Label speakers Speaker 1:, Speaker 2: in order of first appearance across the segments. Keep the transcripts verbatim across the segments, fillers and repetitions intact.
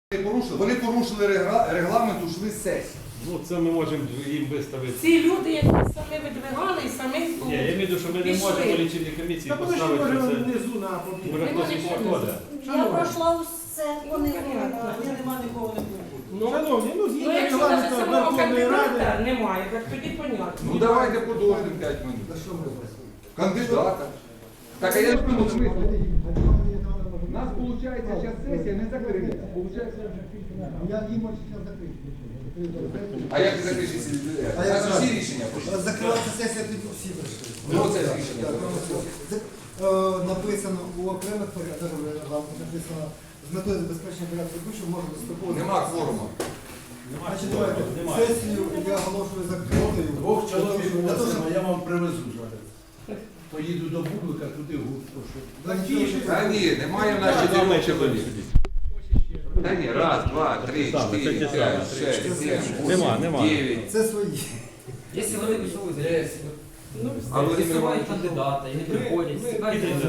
Speaker 1: Порушили. Вони порушили регла- регламент, ушли з сесії.
Speaker 2: Ну, це ми можемо їм виставити.
Speaker 3: Ці люди, які самі видвигали і самі
Speaker 2: Ні, я маю в виду, що ми не
Speaker 3: пішли.
Speaker 2: можемо по лічильній комісії
Speaker 4: Та тому що
Speaker 2: поставити
Speaker 4: може
Speaker 2: це.
Speaker 4: внизу на побіг.
Speaker 2: Може хтось із проходить.
Speaker 5: Я пройшла усе, вони
Speaker 4: Я нема нікого не було.
Speaker 3: Ну,
Speaker 4: Шановні, ну
Speaker 3: ну
Speaker 4: згідно
Speaker 3: якщо навіть
Speaker 4: регламенту
Speaker 3: самого
Speaker 4: Верховної
Speaker 3: кандидата
Speaker 4: Ради.
Speaker 3: немає, так тоді понятно.
Speaker 1: Ну давайте подождемо п'ять минут. Кандидата. Так, а я ж думаю, смисл. У нас виходить, зараз сесія не закрита. Получається,
Speaker 6: Я їм можу зараз закрити.
Speaker 1: а як ти закриєш, якщо
Speaker 6: А я
Speaker 1: у нас
Speaker 6: знаю.
Speaker 1: всі рішення пройшли?
Speaker 6: Закривається сесія, тоді всі прийшли.
Speaker 1: Ну, це рішення.
Speaker 6: Це, е, Написано у окремих порядках, написано з метою забезпечення порядку ведучого можна достроково.
Speaker 1: Нема кворуму.
Speaker 6: Значить, давайте, сесію я оголошую закритою.
Speaker 7: Двох чоловік
Speaker 6: Для того, щоб-
Speaker 7: просимо, я вам привезу зараз. Поїду до Бублика, туди гурт прошу.
Speaker 6: Та нічого,
Speaker 1: Та ні, немає в нас чотирьох чоловік. Та ні, раз, два, три, чотири, п'ять, шесть, сім,
Speaker 2: Нема,
Speaker 1: вісім,
Speaker 2: нема.
Speaker 1: дев'ять.
Speaker 6: Це свої.
Speaker 8: Если вони висовують агресію,
Speaker 3: Ну,
Speaker 1: А Володимир
Speaker 8: висувають
Speaker 1: Іванович?
Speaker 8: кандидата і не приходять, стикаються з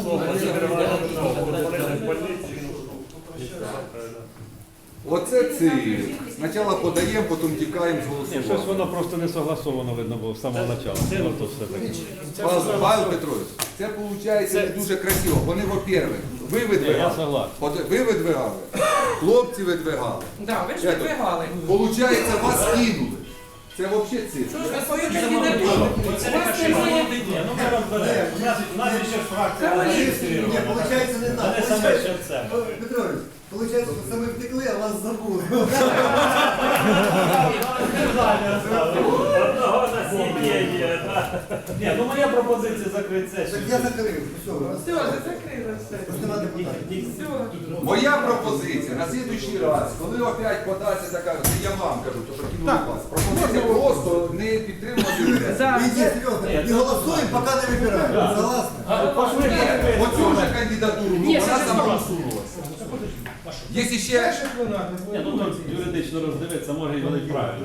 Speaker 1: Оце ці. Спочатку подаємо, потім тікаємо з
Speaker 2: Ні, щось
Speaker 1: голосування.
Speaker 2: воно просто не согласовано видно було з самого початку. Ну, то все таке.
Speaker 1: Павло Павло Петрович, це виходить не дуже красиво. Вони, во-первых, ви
Speaker 2: Я
Speaker 1: видвигали.
Speaker 2: согласен.
Speaker 1: От ви видвигали, хлопці видвигали.
Speaker 3: да, ви ж видвигали.
Speaker 1: Получається, вас кинули. Це взагалі
Speaker 3: Що
Speaker 1: цифра.
Speaker 3: ж ви свою кандидатуру? У вас немає.
Speaker 2: Ну, ми розберемо. У нас, у нас ще ж фракція
Speaker 3: Та ви-
Speaker 6: Ні,
Speaker 2: зареєстрована.
Speaker 6: виходить не так.
Speaker 2: Вони саме ще це.
Speaker 6: Петрович, виходить, що саме втекли, а вас забули.
Speaker 2: Одного на сім'ї. Ні, ну моя пропозиція закрити
Speaker 6: Так
Speaker 2: сесію.
Speaker 6: я закрив. Все,
Speaker 3: Все, вже закрили все.
Speaker 6: просто нема депутатів.
Speaker 3: Все.
Speaker 1: Моя пропозиція на слідуючий раз, коли опять подасться така, це я вам кажу, то прокинули вас. Пропозиція просто не підтримувати людей.
Speaker 6: Іди, серйозно, і голосуємо, поки не вибираємо. Согласны?
Speaker 2: Пошли,
Speaker 1: Ні, оцю вже кандидатуру, ну, вона самоусунулася. Є ще
Speaker 2: Ні, ну тут юридично роздивитися, може і вони правильно.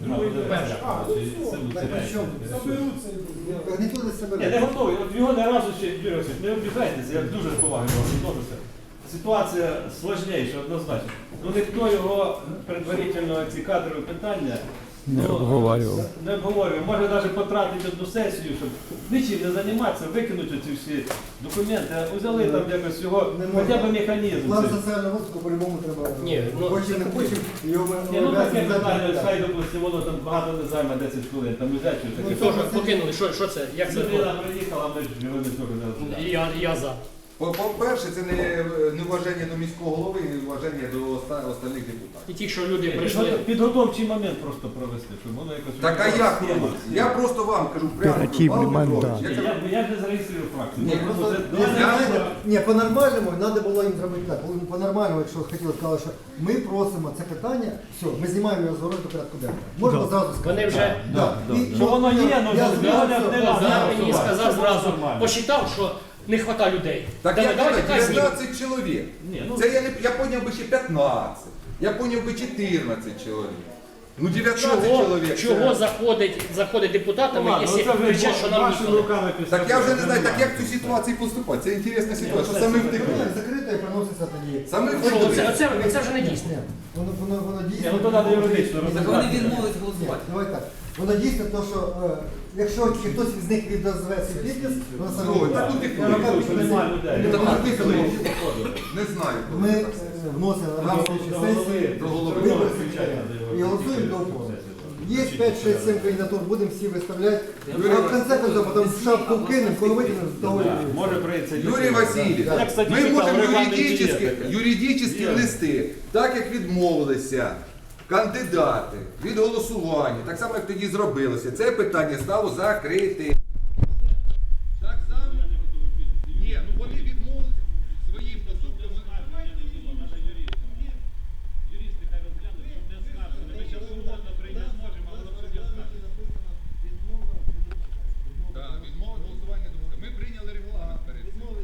Speaker 6: Гарнітури себе.
Speaker 2: Ні, не готовий. От його не разу ще, Юрій Васильович, не обіжайтеся, я дуже з повагою до вас відношуся. Ситуація складніша, однозначно. Ну ніхто його предварительно ці кадрові питання не обговорював. Не обговорював. Може навіть потратити одну сесію, щоб нічим не займатися, викинути ці всі документи, а взяли там якось його, хоча б механізм.
Speaker 6: План
Speaker 2: цей.
Speaker 6: соціального розвитку по-любому треба.
Speaker 8: Ні, ну,
Speaker 6: Хочемо, не хочемо, його ми
Speaker 2: Ні, ну таке
Speaker 6: обов'язані
Speaker 2: питання,
Speaker 6: знати.
Speaker 2: хай, допустимо, воно там багато не займе десять хвилин, там взяти щось таке.
Speaker 8: Що ж покинули? Що, що це? Як це?
Speaker 2: Людина приїхала, ми ж його не цього не розглядаємо.
Speaker 8: Я, я за.
Speaker 1: По- по-перше, це не, не вважання до міського голови, не вважання до оста- остальних депутатів.
Speaker 8: І ті, що люди прийшли.
Speaker 2: Підготовчий момент просто провести, щоб воно якось...
Speaker 1: Так а як
Speaker 2: Схема.
Speaker 1: робити? Я просто вам кажу прямо, Павло Петрович, я
Speaker 2: Ні,
Speaker 1: кажу,
Speaker 2: Я, я ж не зареєструю фракцію.
Speaker 1: Ні,
Speaker 2: Ну,
Speaker 6: Просто,
Speaker 2: просто
Speaker 6: ну,
Speaker 2: це-
Speaker 6: ви
Speaker 1: я-
Speaker 6: знаєте, ні, по-нормальному треба було їм зробити так. По-нормальному, якщо хотіли, сказали, що ми просимо це питання, все, ми знімаємо його з городу до порядку денного. Можна зразу сказати.
Speaker 8: Вони вже
Speaker 6: Да.
Speaker 2: да,
Speaker 6: І-
Speaker 2: да. Що воно є, ну,
Speaker 6: я
Speaker 2: ну,
Speaker 6: знаю,
Speaker 2: не-
Speaker 6: що-
Speaker 2: не
Speaker 6: да,
Speaker 2: надо.
Speaker 6: да.
Speaker 8: я мені сказав
Speaker 2: Це
Speaker 8: зразу,
Speaker 2: нормально.
Speaker 8: посчитав, що не вистачає людей.
Speaker 1: так
Speaker 8: Давай,
Speaker 1: я
Speaker 8: давайте
Speaker 1: кажу,
Speaker 8: казнемо.
Speaker 1: дев'ятнадцять чоловік.
Speaker 2: Ні, ну-
Speaker 1: Це я, не, я поняв би ще п'ятнадцять. Я поняв би чотирнадцять чоловік. Ну дев'ятнадцять
Speaker 8: Чого,
Speaker 1: чоловік. це-
Speaker 8: чого заходить, заходить депутатами,
Speaker 2: Ладно,
Speaker 8: якщо
Speaker 2: це вже
Speaker 8: кричать, що нам
Speaker 2: вашими
Speaker 8: ніхто не...
Speaker 2: руками після
Speaker 1: Так я вже не
Speaker 2: цього
Speaker 1: знаю, так
Speaker 2: немає.
Speaker 1: як в цій ситуації поступати? Це інтересна ситуація, що
Speaker 2: це
Speaker 1: саме
Speaker 2: супер.
Speaker 1: втекли.
Speaker 6: Закрито і приноситься тоді.
Speaker 1: Саме
Speaker 8: Що,
Speaker 1: втекли.
Speaker 8: оце, оце, це вже не дійсно.
Speaker 6: Ні, воно, воно, воно
Speaker 2: Ні,
Speaker 6: дійсно.
Speaker 2: ну то треба юридично
Speaker 8: Так
Speaker 2: розібратися.
Speaker 8: вони відмовились
Speaker 6: Ні,
Speaker 8: голосувати.
Speaker 6: давай так. Воно дійсно, то, що е, якщо тільки хтось з них відозве свій підпис, воно саме.
Speaker 1: Ну, так
Speaker 6: буде.
Speaker 1: утекли.
Speaker 6: Я руками
Speaker 2: Що немає людей.
Speaker 6: не
Speaker 1: Так
Speaker 6: знаю.
Speaker 1: утекли. Не знаю.
Speaker 6: Ми е, вносимо на слідчі сесії,
Speaker 1: до голови.
Speaker 6: вибори і голосуємо до опору. Є п'ять шість сім кандидатур, будемо всі виставляти.
Speaker 1: Юрій
Speaker 6: А в кінці концов, потім в шапку вкинемо, коли витягнемо, того
Speaker 2: Да,
Speaker 6: і
Speaker 2: Може прийти.
Speaker 1: Юрій Васильович,
Speaker 2: Я, кстати,
Speaker 1: ми
Speaker 2: читав
Speaker 1: можемо
Speaker 2: регламент
Speaker 1: юридичні,
Speaker 2: дієти.
Speaker 1: юридичні
Speaker 2: Є.
Speaker 1: листи, так як відмовилися кандидати від голосування, так само як тоді зробилося, це питання стало закрите. Так само? Ні, ну вони відмовилися своїм поступком.
Speaker 2: Юристи хай розглянуть, щоб не скаржили. Ми зараз умовно прийти зможемо, але воно все скаржить.
Speaker 1: Так, відмова від голосування не допускає. Ми прийняли регламент перед цим.
Speaker 8: Вони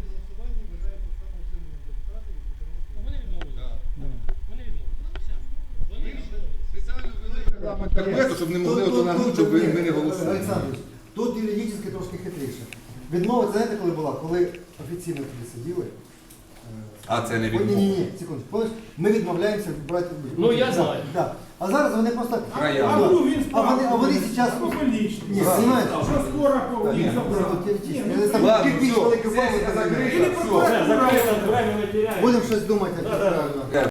Speaker 8: відмовились.
Speaker 1: Так.
Speaker 8: Вони відмовились. Все. Вони
Speaker 1: Спеціально ввели регламент кабінету, щоб не могли ото нагнути, щоб ви- ми не голосували.
Speaker 6: Олександрович, тут юридично трошки хитріше. Відмова, це знаєте, коли була? Коли офіційно тоді сиділи,
Speaker 1: А це не
Speaker 6: Ні, ні,
Speaker 1: відмова.
Speaker 6: ні, секунду. Помниш, ми відмовляємося брати.
Speaker 8: Ну, я знаю.
Speaker 6: Да. А зараз вони просто.
Speaker 1: Края.
Speaker 6: А,
Speaker 7: ну, він
Speaker 6: а вони, а вони зараз. Ні, знімаєте?
Speaker 7: Що скоро їх забрали.
Speaker 1: Ладно,
Speaker 6: Кирпич
Speaker 1: все,
Speaker 6: великий
Speaker 1: сесія
Speaker 6: валить,
Speaker 1: закрита,
Speaker 7: Или
Speaker 1: все.
Speaker 2: Все, закрито, время не теряємо.
Speaker 6: Будемо щось думати, як
Speaker 2: Да-да-да.
Speaker 6: правильно.